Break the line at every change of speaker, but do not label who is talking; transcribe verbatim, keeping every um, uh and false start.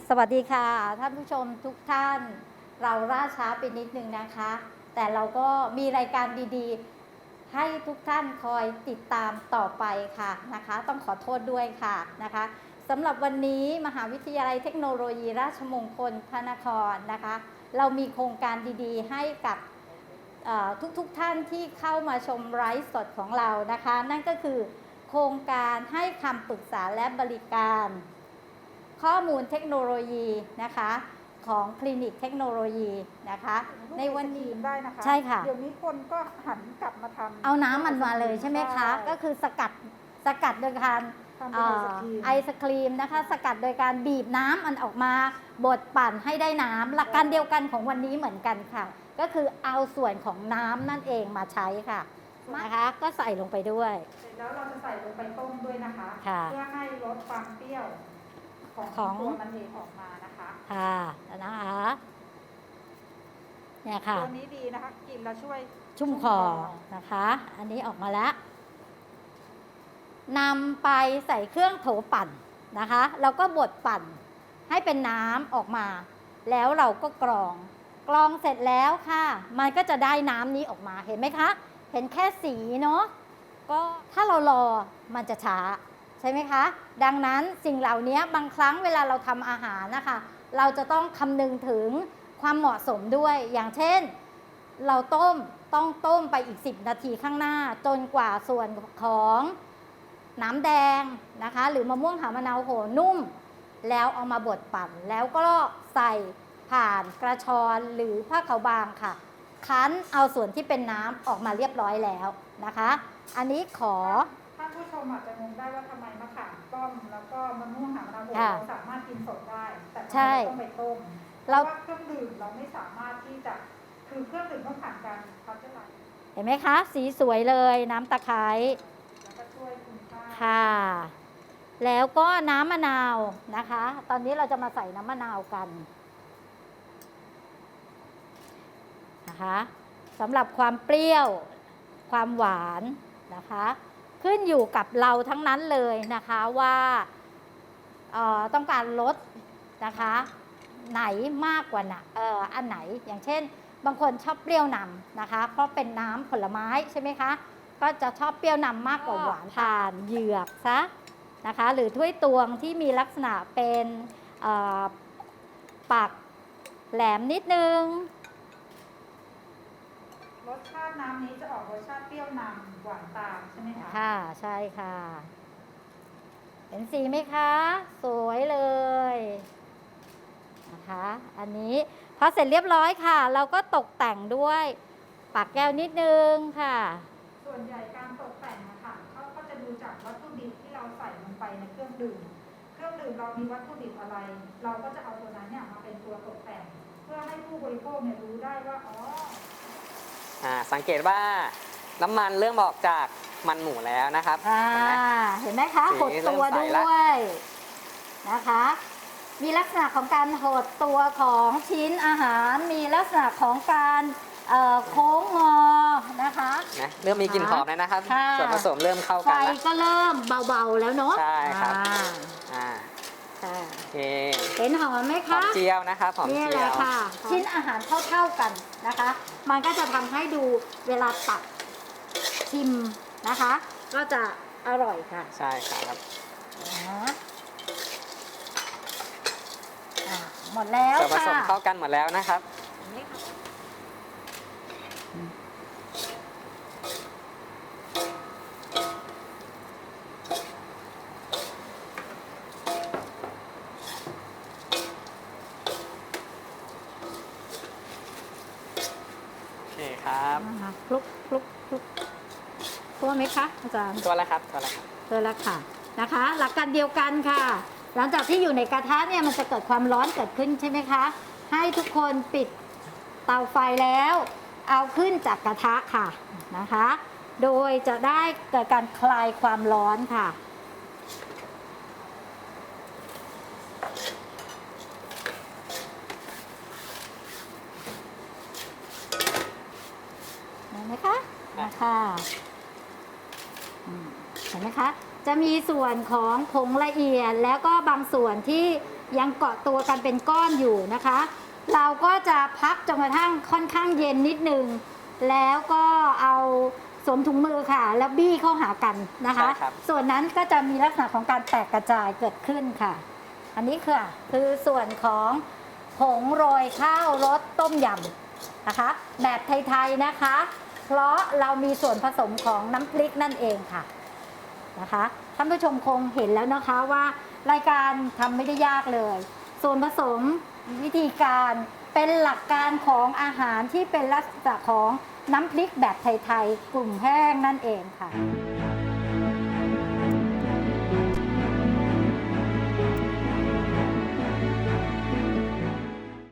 สวัสดีค่ะท่านผู้ชมทุกท่านเราล่าช้าไปนิดนึงนะคะ แต่เราก็มีรายการดีๆให้ทุกท่านคอยติดตามต่อไปค่ะนะคะต้องขอโทษด้วยค่ะนะคะสำหรับวันนี้มหาวิทยาลัยเทคโนโลยีราชมงคลพระนครนะคะเรามีโครงการดีๆให้กับทุกๆ ท่านที่เข้ามาชมไลฟ์สดของเรานะคะนั่นก็คือโครงการให้คำปรึกษาและบริการข้อมูลเทคโนโลยีนะคะของคลินิกเทคโนโลยีนะคะในวันนี้
ได้นะคะ
ใช่ค่ะ
เดี๋ยวนี้คนก็หันกลับมาทำ
เอาน้ำมันมาเลยใช่ไหมคะก็คือสกัดสกัดโดยการไอศครีมนะคะสกัดโดยการบีบน้ำมันออกมาบดปั่นให้ได้น้ำหลักการเดียวกันของวันนี้เหมือนกันค่ะก็คือเอาส่วนของน้ำนั่นเองมาใช้ค่ะนะคะก็ใส่ลงไปด้วย
เสร็จแล้วเราจะใส่ลงไปต้มด้วยนะคะเพื่อให้ลดความเปรี้ยวของตัวมันเองออกมานะคะ
ค่ะนะคะเนี่ยค่ะ
ตัวนี้ดีนะคะกินแล้วช่วย
ชุ่มคอนะคะอันนี้ออกมาแล้วนำไปใส่เครื่องโถปั่นนะคะแล้วก็บดปั่นให้เป็นน้ำออกมาแล้วเราก็กรองกรองเสร็จแล้วค่ะมันก็จะได้น้ำนี้ออกมาเห็นไหมคะเห็นแค่สีเนาะก็ถ้าเรารอมันจะช้าใช่ไหมคะดังนั้นสิ่งเหล่านี้บางครั้งเวลาเราทำอาหารนะคะเราจะต้องคำนึงถึงความเหมาะสมด้วยอย่างเช่นเราต้มต้องต้มไปอีกสิบนาทีข้างหน้าจนกว่าส่วนของน้ำแดงนะคะหรือมะม่วงหามะนาวโหนุ่มแล้วเอามาบดปั่นแล้วก็ใส่ผ่านกระชอนหรือผ้าขาวบางค่ะคั้นเอาส่วนที่เป็นน้ำออกมาเรียบร้อยแล้วนะคะอันนี้ขอ
ท่านผู้ชมอาจจะงงได้ว่าทำไมมะขามป้อมแล้วก็มะม่วงหามะนาวโหเราสามารถกินสดได้แต่เราต้องไปต้มเพราะว่าเครื่องดื่มเราไม่สามารถที่จะคือเครื่องดื่มต้องผ่านการพัชไลซ์
เห็นไหมคะสีสวยเลยน้ำตะไคร้
แล้วก็ช่วยคุณค่า
ค่ะแล้วก็น้ำมะนาวนะคะตอนนี้เราจะมาใส่น้ำมะนาวกันนะคะสำหรับความเปรี้ยวความหวานนะคะขึ้นอยู่กับเราทั้งนั้นเลยนะคะว่าต้องการลดนะคะไหนมากกว่านะเอ่ออันไหนอย่างเช่นบางคนชอบเปรี้ยวนำนะคะเพราะเป็นน้ำผลไม้ใช่ไหมคะก็จะชอบเปรี้ยวนำมากกว่าหวานผ่านเหยือกซะนะคะหรือถ้วยตวงที่มีลักษณะเป็นปากแหลมนิดนึง
รสชาติน้ำนี้จะออกรสชาติเปรี้ยวนำหวานตามใช่ไหมคะ
ค่ะใช่ค่ะเห็นสีไหมคะสวยเลย นะคะอันนี้พอเสร็จเรียบร้อยค่ะเราก็ตกแต่งด้วยปากแก้วนิดนึงค่ะ
ส่วนใหญ่การตกแต่งนะคะเขาก็จะดูจากวัตถุดิบที่เราใส่ลงไปในเครื่องดื่มเครื่องดื่มเรามีวัตถุดิบอะไรเราก็จะเอาตัวนั้นเนี่ยมาเป็นตัวตกแต่งเพื่อให้ผู้บริโภคเนี่ยรู้ได้ว่าอ๋อ
อ่าสังเกตว่าน้ำมันเริ่มออกจากมันหมูแล้วนะครับ
เห็นไหมคะหดตัวด้วยนะคะมีลักษณะของการหดตัวของชิ้นอาหารมีลักษณะของการโค้งงอนะคะ
นะเริ่มมีกลิ่นหอมแล้วนะครับส่วนผสมเริ่มเข้ากันแล้ว
ไฟก็เริ่มเบาๆแล้วเนาะ
ใช่ครับอ่าโอเค
เห็นหอมไหมคะ
หอมเจียวนะครับหอมเจียวนี่แหละ
ค่ะชิ้นอาหารเท่าๆกันนะคะมันก็จะทำให้ดูเวลาตักชิมนะคะก็จะอร่อยค่ะ
ใช่ครับ
หมดแล้ว
ค่ะผสมเข้ากันหมดแล้วนะครับโอเคครับ
คลุกคลุกคลุกตัวไหมคะอาจารย์
ตัวแล้วครับตัวแล้วครับ
ตัวแล้วค่ะนะคะหลักการเดียวกันค่ะหลังจากที่อยู่ในกระทะเนี่ยมันจะเกิดความร้อนเกิดขึ้นใช่ไหมคะให้ทุกคนปิดเตาไฟแล้วเอาขึ้นจากกระทะค่ะนะคะโดยจะได้เกิดการคลายความร้อนค่ะเห็นไหมคะนะคะเห็นไหมคะจะมีส่วนของผงละเอียดแล้วก็บางส่วนที่ยังเกาะตัวกันเป็นก้อนอยู่นะคะ เราก็จะพักจนกระทั่งค่อนข้างเย็นนิดนึงแล้วก็เอาสวมถุงมือค่ะ แล้วบี้เข้าหากันนะคะ
ใช่ครับ
ส่วนนั้นก็จะมีลักษณะของการแตกกระจายเกิดขึ้นค่ะ อันนี้คือคือส่วนของผงโรยข้าวรสต้มยำนะคะ แบบไทยๆนะคะ เพราะเรามีส่วนผสมของน้ำพริกนั่นเองค่ะนะคะท่านผู้ชมคงเห็นแล้วนะคะว่ารายการทำไม่ได้ยากเลย ส่วนผสมวิธีการเป็นหลักการของอาหารที่เป็นลักษณะของน้ำพริกแบบไทยๆกลุ่มแห้งนั่นเองค่ะ